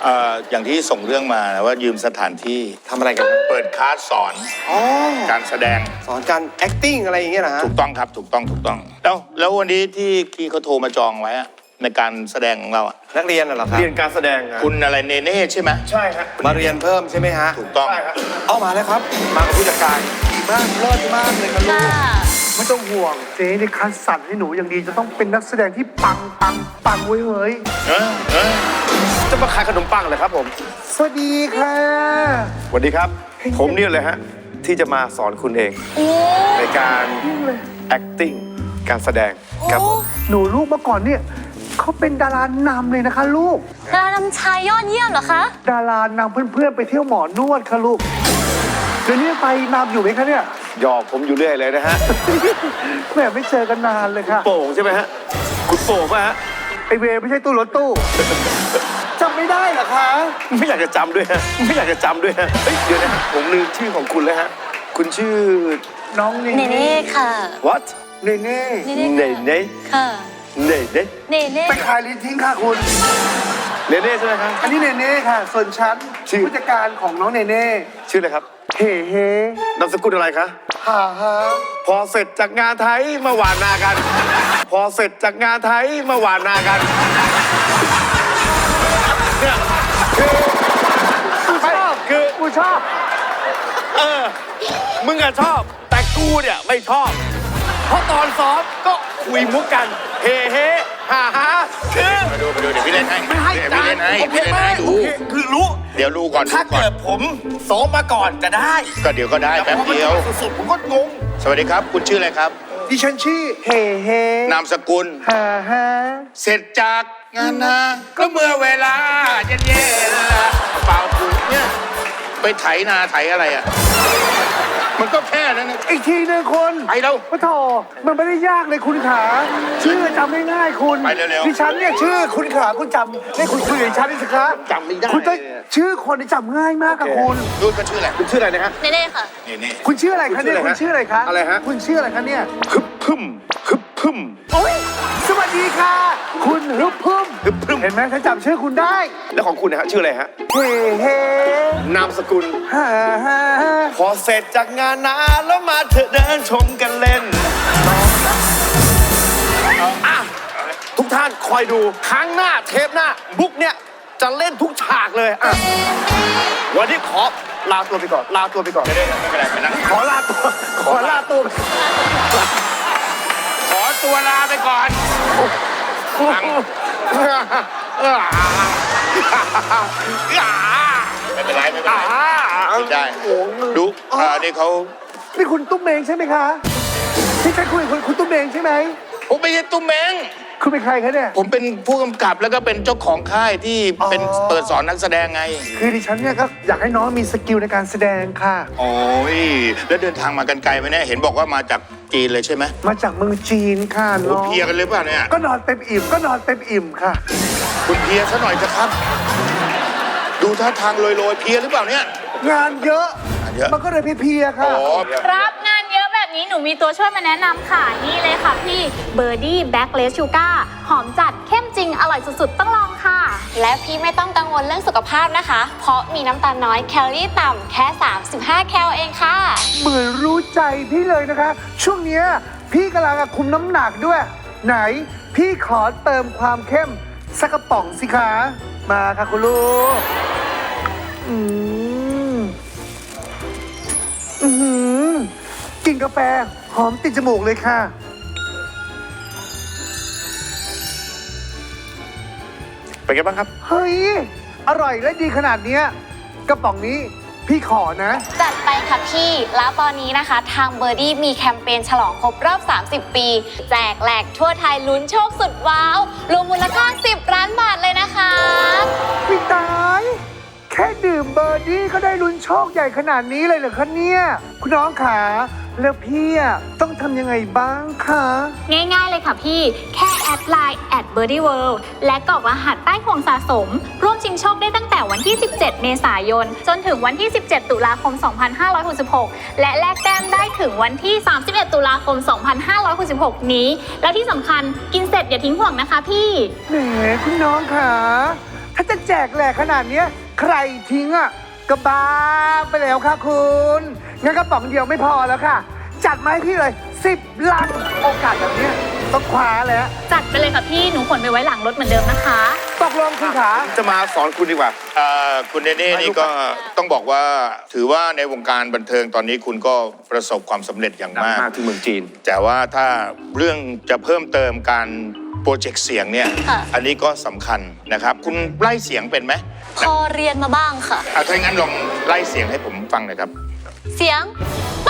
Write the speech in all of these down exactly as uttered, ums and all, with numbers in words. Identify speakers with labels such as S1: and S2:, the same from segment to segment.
S1: เอ่ออย่างที่ส่งเรื่องมานะว่ายืมสถานที่
S2: ทำอะไรกัน
S1: เปิดคลาสสอน
S2: อ๋อ
S1: การแสดง
S2: สอนการ acting อะไรอย่างเงี้ยนะฮะ
S1: ถูกต้องครับถูกต้องถูกต้องแล้วแล้ววันนี้ที่ที่เขาโทรมาจองไว้อะในการแสดงของเราอะ
S2: นักเรียนน่ะเหรอครับ
S3: เรียนการแสดงอะ
S1: คุณอะไรเนเน่ใช่ไหม
S3: ใช่ฮะ
S2: มาเรียนเพิ่มใช่ไหมฮะ
S1: ถูกต้อง
S3: ใช่ฮะ
S2: เอามาแล้วครับ มากับผู้จัดการดีมากเลิศมากเลยครับลูก
S4: ไม่ต้องห่วงเจ๊ในคัดสรรให้หนูอย่างดีจะต้องเป็นนักแสดงที่ปังปังปังเว้ยเฮ้ย
S1: เออเออ
S3: จะมาขายขนมปังเหรอครับผม
S4: สวัสดีค่ะ
S3: สวัสดีครับ ผมเนี่ยเลยฮะที่จะมาสอนคุณเองในการ acting การแสดงครับผม
S4: หนูลูกเมื่อก่อนเนี่ยเขาเป็นดารานำเลยนะคะลูก
S5: ดารานำชายยอดเยี่ยมเหรอคะ
S4: ดารานำเพื่อนๆไปเที่ยวหมอนวดค่ะลูกเดี๋ยวนี้ไปนำอยู่ไหมคะเนี่ย
S3: หยอกผมอยู่เรื่อยเลยนะฮะ
S4: แหมไม่เจอกันนานเลยค่ะ
S3: โป่งใช่ไหมฮะคุณโป่งป่ะฮะ
S4: ไอเวไม่ใช่ตู้รถตู้จำไม่ได้เหรอคะ
S3: ไม่อยากจะจำด้วยฮะไม่อยากจะจำด้วยฮะเฮ้ยเดี๋ยวนะฮะผมลืมชื่อของคุณแล้วฮะคุณชื่อ
S4: น้องเน
S5: เนเน่ค่ะ
S3: what
S4: เนเน่
S5: เนเน่
S3: เนเน่
S5: ค่ะ
S3: เนเน่
S5: เนเน่
S4: ไปขายลิ้นทิ้งค่ะคุณ
S3: เนเน่ใช่ไหมครับ
S4: อันนี้เนเน่ค่ะ ส่วนฉัน
S3: ชื่อ
S4: ผู้จัดการของน้องเนเน่
S3: ชื่ออะไรครับ
S4: เฮ้เฮ้
S3: นามสกุลอะไรคะ
S4: ฮ่าฮ่า
S3: พอเสร็จจากงานไทยมาหวานนากัน พอเสร็จจากงานไทยมาหวานนากันเนี่ยคือ
S4: กูชอบ
S3: คือ
S4: กูชอบ
S3: เออมึงอะชอบ แต่กูเนี่ยไม่ชอบ เพราะตอนซ้อมก็คุยมุกกัน เฮ้เฮ้ฮ่าฮ่าคือ
S1: มาดูมาดูเดี๋ยวพี่เล่นให้
S3: ไม่ให้
S1: เดี๋ยว
S3: จา
S1: พี่
S3: น
S1: เล่นให้
S3: โอเค
S1: พี่เล่น
S3: ไหม
S1: ให้ดู
S3: โอเคคือรู้
S1: เดี๋ยวดูก่อน
S3: ถ้า
S1: ดูก่อน
S3: เกิดผมซ้อมมาก่อนจะได้
S1: ก็เดี๋ยวก็ได้แป๊บเดียว
S3: แต่พอมันสุดๆผมก็งง
S1: สวัสดีครับ คุณชื่ออะไรครับ
S4: ดิฉันชื่อเฮ้เฮ้
S1: นามสกุล
S4: ฮ่าฮ่า
S1: เสร็จจากงานนาก็เมื่อเวลาเย็นๆเปล่ากูเนี่ยไปไถนาไถอะไรอ่ะมันก็แค่นั้นนะ
S4: อีกทีหนึงคน
S1: ไปแล้ว
S4: พระโถมันไม่ได้ยากเลยคุณขา ชื่อจำง่ายๆคุณ
S1: ไปเร็วๆ
S4: ดิฉันเนี่ยชื่อคุณขาคุณจำให้คุณคุยกับดิฉันดิสิคะ
S3: จำไม่ได้
S4: คุณต้องชื่อคนที่จำง่ายมากกับคุณ
S1: ดูก็ชื่ออะไร
S3: คุณชื่ออะไรนะฮะ
S5: เนเน่ค่ะ
S1: นี่นี่
S4: คุณชื่ออะไรคะเนี่ย
S3: คุ
S4: คุณ
S3: ณชื่
S4: ชื่อ
S3: อ
S4: อะ
S3: อะไร ไร
S4: คะ
S3: อะไรฮะ
S4: คุณชื่ออะไรคะเนี่ย
S3: ฮึบพึ่มฮึบพึ่ม
S4: โอ้ยสวัสดีค่ะ คุณฮึบพึ่ม
S3: ฮึบพึ่ม
S4: เห็นไหมฉันจำชื่อคุณได้
S3: แล้วของคุณนะฮะชื่ออะไรฮะ
S4: เฮ้เฮ้
S3: นามสกุล
S4: ฮ่าฮ่า
S3: พอเสร็จจากงานนาแล้วมาเถอะเดินชมกันเล่นอ่ะทุกท่านคอยดูครั้งหน้าเทปหน้าบุ๊กเนี่ยจะเล่นทุกฉากเลยอ่ะวันนี้ขอลาตัวไปก่อน ลาตัวไปก่อน
S1: ไม่ได้ไม่เป็นไรไปนั่ง
S4: ขอลาตัว ขอลาตัว
S1: ขอตัวลาไปก่อนฟังไม่เป็นไรไม่เป็นไรคิดได้ดูอ่านี่เขา
S4: นี่คุณตุ้มเมงใช่ไหมคะที่ฉันคุยกับคุณคุณตุ้มเมงใช่ไหม
S1: ผมไม่ใช่ตุ้มเมง
S4: คุณเป็นใครคะเนี่ย
S1: ผมเป็นผู้กำกับแล้วก็เป็นเจ้าของค่ายที่เป็น
S4: อ๋อ
S1: เปิดสอนนักแสดงไง
S4: คือดิฉันเนี่ยก็อยากให้น้องมีสกิลในการแสดงค่ะ
S1: โอ้ยแล้วเดินทางมากันไกลไหมเนี่ยเห็นบอกว่ามาจากจีนเลยใช่ไหม
S4: มาจากเมืองจีนค่ะ
S1: โอ้
S4: น้อง
S1: เพลียกันเลยเปล่ะเนี่ย
S4: ก็นอนเต็มอิ่มก็นอนเต็มอิ่มค่ะ
S1: คุณเพลียซะหน่อยเถอะครับ ดูท่าทางลอยๆเพลียหรือเปล่าเนี่ย
S4: งานเยอะ
S1: งานเยอะ
S4: มันก็เลยเพลียๆค่ะ
S1: อ๋อ
S5: รับงานเยอะแบบนี้หนูมีตัวช่วยมาแนะนำค่ะ นี่เลยค่ะพี่เบอร์ดี้แบล็กเลสชูการ์หอมจัดเข้มจริงอร่อยสุดๆ ต้องลองค่ะ และพี่ไม่ต้องกังวลเรื่องสุขภาพนะคะ เพราะมีน้ำตาลน้อยแคลอรี่ต่ำแค่ สามสิบห้า แคลเองค่ะ
S4: เหมือนรู้ใจพี่เลยนะคะ ช่วงเนี้ยพี่กำลังคุมน้ำหนักด้วย ไหนพี่ขอเติมความเข้มสักกระป๋องสิคะมาค่ะคุณลูกอืมอืมกินกาแฟหอมติดจมูกเลยค่ะ
S3: เป็นไงบ้างครับ
S4: เฮ้ย อร่อยและดีขนาดเนี้ยกระป๋องนี้พี่ขอนะ
S5: จัดไปค่ะพี่ แล้วตอนนี้นะคะ ทางเบอร์ดี้มีแคมเปญฉลองครบรอบ สามสิบ ปี แจกแหลกทั่วไทยลุ้นโชคสุดว้าว รวมมูลค่า สิบ ล้านบาทเลยนะคะ
S4: พี่ตาย แค่ดื่มเบอร์ดี้ก็ได้ลุ้นโชคใหญ่ขนาดนี้เลยเหรอคะเนี่ย คุณน้องขาแล้วพี่อะต้องทำยังไงบ้างคะ
S5: ง่ายๆเลยค่ะพี่ แค่แอดไลน์ แอด เบอร์ดี้เวิลด์ และกรอกรหัสใต้ห่วงสะสม ร่วมชิงโชคได้ตั้งแต่วันที่ สิบเจ็ด เมษายน จนถึงวันที่ สิบเจ็ด ตุลาคม สองพันห้าร้อยหกสิบหก และแลกแต้มได้ถึงวันที่ สามสิบเอ็ด ตุลาคม สองพันห้าร้อยหกสิบหก นี้ และที่สำคัญกินเสร็จอย่าทิ้งห่วงนะคะพี่
S4: แหมคุณน้องขาถ้าจะจะแจกแหลกขนาดเนี้ยใครทิ้งอ่ะก็บ้าไปแล้วค่ะคุณงั้นกระป๋องเดียวไม่พอแล้วค่ะ จัดมาให้พี่เลยสิบลังโอกาสแบบเนี้ยต้องคว้าแล้ว
S5: จัดไปเลยค่ะพี่หนูขนไปไว้หลังรถเหมือนเดิมนะคะ
S4: ตกลงคุณขา
S3: จะมาสอนคุณดีกว่า
S1: เอ่อคุณเนเน่นี่ก็ต้องบอกว่าถือว่าในวงการบันเทิงตอนนี้คุณก็ประสบความสำเร็จอย่างมาก
S3: มากที่เมืองจีน
S1: แต่ว่าถ้าเรื่องจะเพิ่มเติมการโปรเจกต์เสียงเนี่ย
S5: ค่ะ
S1: อันนี้ก็สำคัญนะครับ คุณไล่เสียงเป็นไหม
S6: พอเรียนมาบ้างค่ะ
S1: อ่ะถ้างั้นลองไล่เสียงให้ผมฟังหน่อยครับ
S6: เสียงไป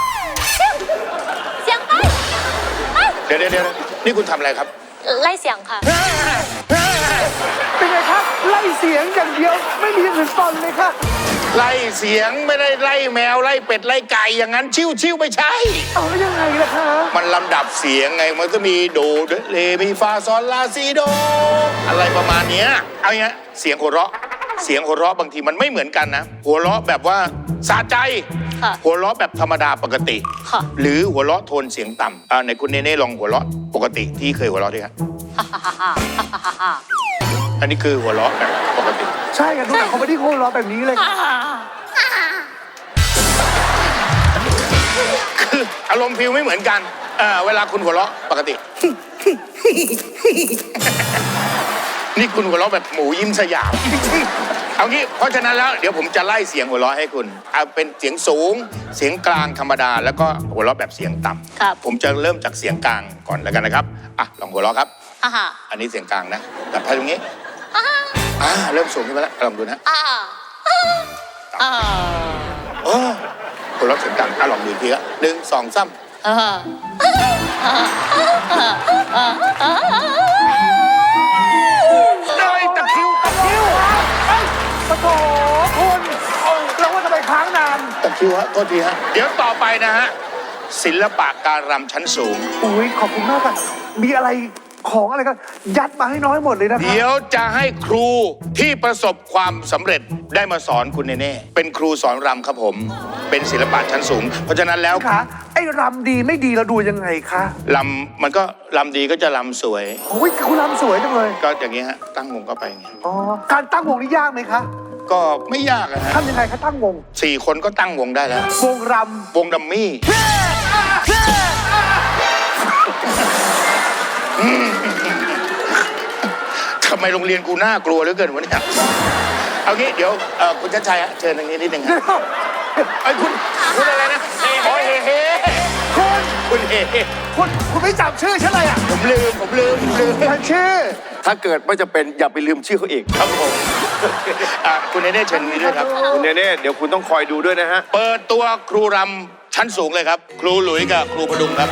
S6: เสียงไปไป
S1: เดี๋ยวเดี๋ยวเดี๋ยวนี่คุณทำอะไรครับ
S6: ไล่เสียงค่ะ
S4: เป็นไงครับไล่เสียงอย่างเดียวไม่มีอย่างอื่นตอนเลยค่ะ
S1: ไล่เสียงไม่ได้ไล่แมวไล่เป็ดไล่ไก่อย่างนั้นชิวชิวไม่ใช่
S4: เอาแล้วยังไงล่ะคะ
S1: มันลำดับเสียงไงมันก็มีโดเรมีฟาซอลลาซีโด อะไรประมาณเนี้ยเอาอย่างเงี้ยเสียงหัวเราะเสียงหัวเราะบางทีมันไม่เหมือนกันนะ หัวเราะแบบว่าสะใจ
S6: ค่ะ
S1: หัวเราะแบบธรรมดาปกติ
S6: ค่ะ
S1: หรือหัวเราะโทนเสียงต่ำอ่าในคุณเนเน่ลองหัวเราะปกติที่เคยหัวเราะด้วยครับอันนี้คือหัวเราะแบบปกติ
S4: ใช่กันทุกอย่างเขาไม่ได้โคล้อแบบนี้เลยค่ะ
S1: คืออารมณ์ฟิลไม่เหมือนกันเออเวลาคุณหัวเราะปกติ นี่คุณหัวเราะแบบหมูยิ้มสยามเอางี้เพราะฉะนั้นแล้วเดี๋ยวผมจะไล่เสียงหัวเราะให้คุณเอาเป็นเสียงสูง เสียงกลางธรรมดา แล้วก็หัวเราะแบบเสียงต่ำ
S6: ครับ
S1: ผมจะเริ่มจากเสียงกลางก่อนแล้วกันนะครับอ่ะลองหัวเราะครับ
S6: อ่าฮะ
S1: อันนี้เสียงกลางนะแบบตรงนี้อ่าเริ่มสูงขึ้นมาแล้วลองดูนะ
S6: อ่าอ่า
S1: โอ้หัวเราะเสียงกลางอ่ะลองดูอีกทีละหนึ่งสองสาม
S6: อ่า
S1: เลยตะคริวตะคริว
S4: ปะโถคุณเราว่าทำไมค้างนาน
S1: ตะคริวฮะโทษทีฮะเดี๋ยวต่อไปนะฮะศิลปะการรำชั้นสูง
S4: อุ้ยขอบคุณมากค่ะมีอะไรของอะไรก็ยัดมาให้น้อยหมดเลยนะคะ
S1: เดี๋ยวจะให้ครูที่ประสบความสำเร็จได้มาสอนคุณเน่ๆเป็นครูสอนรำครับผม เป็นศิลปะชั้นสูง เพราะฉะนั้นแล้ว
S4: ค่ะไอ้รำดีไม่ดีเราดูยังไงคะ
S1: ลำมันก็ลำดีก็จะลำสวย
S4: โอ้ยคุณรำสวยจังเลย
S1: ก็อย่างนี้ฮะตั้งวงก็ไปอย่างเงี้ย
S4: อ๋อการตั้งวงนี่ยากไหมคะ
S1: ก็ไม่ยากอะฮะ
S4: ทำยังไงคะตั้งวง
S1: สี่คนก็ตั้งวงได้แล้ว
S4: วงร
S1: วงดัมมี่ทำไมโรงเรียนกูน่ากลัวเหลือเกินวะเนี่ยเอางี้เดี๋ยวเอ่อคุณชัดชัยฮะเชิญทางนี้นิดนึงฮะ
S4: ำ
S1: ไอ้ยคุณคุณอะไรนะโอ้ยเฮ้เฮ้
S4: คุณ
S1: คุณเฮ้เฮ้
S4: คุณคุณไม่จำชื่อฉันเลยอ่ะ
S1: ผมลืมผมลืมผมลืม
S4: ฉันชื่อ
S3: ถ้าเกิดไม่จะเป็นอย่าไปลืมชื่อเขาอีก
S1: ครับผมอ่ะคุณเนเน่เชิญนี้ด้วยครับ
S3: คุณเนเน่เดี๋ยวคุณต้องคอยดูด้วยนะฮะ
S1: เปิดตัวครูรำชั้นสูงเลยครับ ครูหลุยกับครูพดุงครับ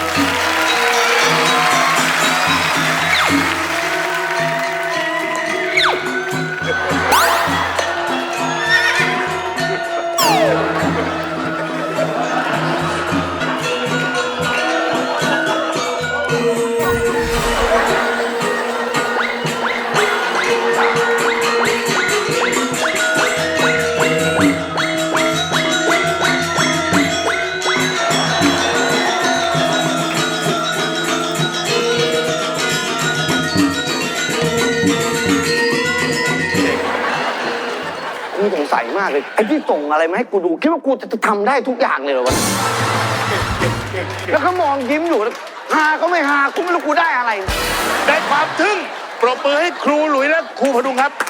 S7: กูสงสัยมากเลยไอ้ที่ส่งอะไรมาให้กูดูคิดว่ากูจะทำได้ทุกอย่างเลยเหรอวะแล้วก็มองยิ้มอยู่แล้วฮาก็ไม่ฮากูไม่รู้กูได้อะไร
S1: ได้ความทึ่งปรบมือให้ครูหลุยและครูพดุงครับ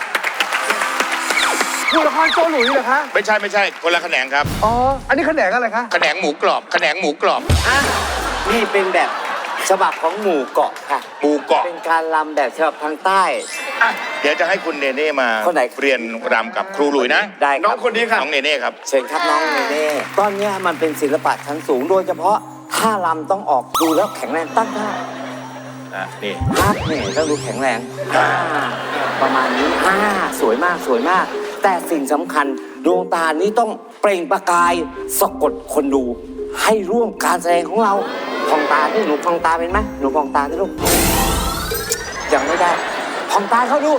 S4: ดูละครโจหลุยเหรอคะ
S1: ไม่ใช่ไม่ใช่คนละแขนงครับ
S4: อ๋ออันนี้แขนงอะไรคะ
S1: แขนงหมูกรอบแขนงหมูกรอบ
S7: อ่ะนี่เป็นแบบฉบับของหมู่เกาะค่ะ
S1: หมูเกาะ
S7: เป็นการรำแบบฉบับทางใต้
S1: อ่ะเดี๋ยวจะให้คุณเนเน่มา
S7: คนไหน
S1: เรียนรำกับครูหลุยนะ
S7: ได้ค
S3: น้อ
S7: รั
S3: ง
S7: บ
S3: คนนี้ค่ะ
S1: น้องเนเน่ครับ
S7: เชิญครับน้องเนเน่ตอนเนี้ยมันเป็นศิลปะชั้นสูงโดยเฉพาะท่ารำต้องออกดูแล้วแข็งแรงตั้งท่า
S1: อ่ะนี่
S7: ภาพเนี่ยต้องดูแข็งแรงอ่าประมาณนี้อ่าสวยมากสวยมาก แต่สิ่งสำคัญดวงตานี้ต้องเปล่งประกายสะกดคนดู ให้ร่วมการแสดงของเราพองตาที่หนูพองตาเป็นไหมหนูพองตาที่ลูกยังไม่ได้พองตาเขาดู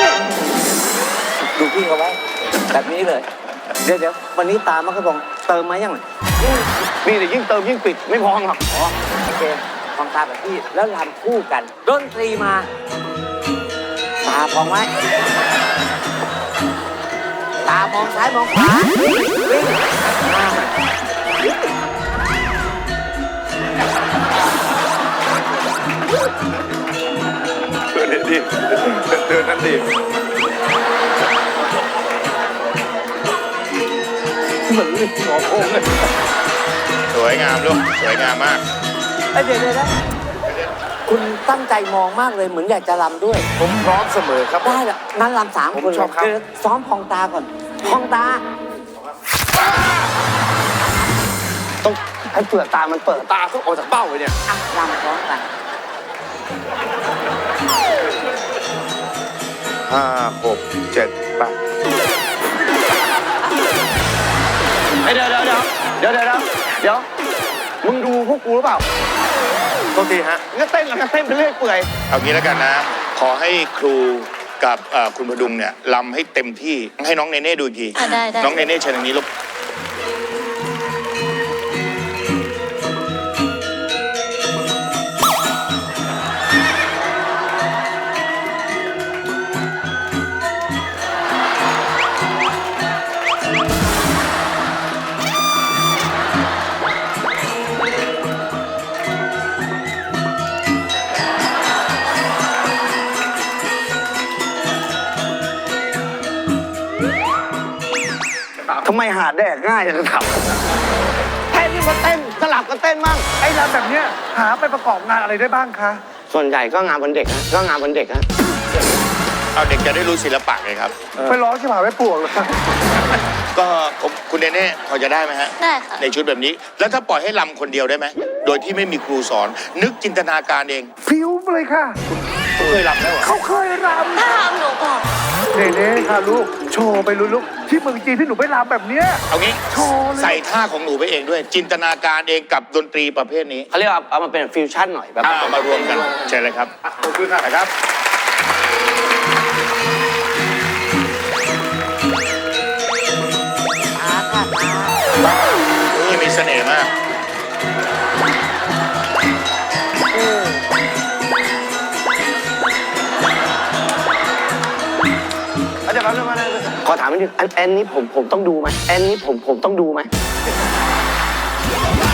S7: ดูพี่เขาไว้ แบบนี้เลย เดี๋ยวเดี๋ยววันนี้ตามันก็บอกเติมมายังไง
S3: นี่แต่ยิ่งเติมยิ่งปิดไม่พองหรอก
S7: อ๋อโอเคพองตาแบบพี่แล้วรำคู่กันดนตรีมา ตาพองไว้ามองซ้ายมองขวาวิ่งวิ่งอ่า
S2: เดินดิเดินนั่นดิ
S3: เหมือนลิงหมอโค้งเลย
S1: สวยงามลูกสวยงามมาก
S7: เอ้ยเดี๋ยวเดี๋ยวนะคุณตั้งใจมองมากเลยเหมือนอยากจะรำด้วย
S2: ผมพร้อมเสมอครับ
S7: ได้ละงั้นรำสาม
S2: ผม
S7: คน
S2: ชอบครับ
S7: เดี๋ยวซ้อมพองตาก่อนพองตา
S3: ต้องให้เปลือกตามันเปิดตาต้องออกจากเบ้าเลยเนี่ย
S7: อ่ะรำพร้อมกัน
S2: ห้าหกเจ็ดแปด
S3: เฮ้ยเดี๋ยวเดี๋ยวเดี๋ยวเดี๋ยวเดี๋ยวเดี๋ยวมึงดูพวกกูหรือเปล่า
S2: โทษทีฮะ
S3: ก็เต้นแล้วก็เต้นไปเรื่อยเปื่อย
S1: เอางี้แล้วกันนะ ขอให้ครูกับเอ่อคุณพดุงเนี่ยลำให้เต็มที่ให้น้องเนเน่ดูอีกที
S6: อ่ะได้ได้
S1: น้องเนเน่เชิญทางนี้ลูก
S3: ทำไมหาแดกง่ายจังทำแค่นี้มาเต้นสลับกันเต้นมั่ง
S4: ไอ้รำแบบเนี้ยหาไปประกอบงานอะไรได้บ้างคะ
S3: ส่วนใหญ่ก็งานวันเด็กนะก็งานวันเด็กนะ
S1: เอาเด็กจะได้รู้ศิลปะไงครับ
S4: ไปร้องชิบหายไว้ปวกเลย
S1: ก็ผมคุณเนเน่พอจะได้ไหมฮะ
S6: ได้ค่ะ
S1: ในชุดแบบนี้ แล้วถ้าปล่อยให้ลำคนเดียวได้ไหม โดยที่ไม่มีครูสอน นึกจินตนาการเอง
S4: ฟิวเลยค่ะ
S1: คุณเคยลำแล้วเหรอ
S4: เขาเคยร
S6: ถ้าทำหนูบอก
S4: ำเน่ๆค่ะลูก โชว์ไปลูกลูกที่เมืองจีนที่หนูไปรำแบบเนี้ย
S1: เอางี้
S4: โชว์เลย
S1: ใส่ท่าของหนูไปเองด้วย จินตนาการเองกับดนตรีประเภทนี้
S3: เขาเรียกว่าเอามาเป็นฟิวชั่นหน่อยแบบ
S1: เอามารวมกันเชิญเลยครับขอบคุณครับ
S7: ตาค่ะตา
S1: นี่มีเสน่ห์มาก
S3: เดี๋ยวแป๊บนึงมาเลยขอถามนิดนึงอันแอนนี้ผมผมต้องดูไหมแอนนี้ผมผมต้องดูไหม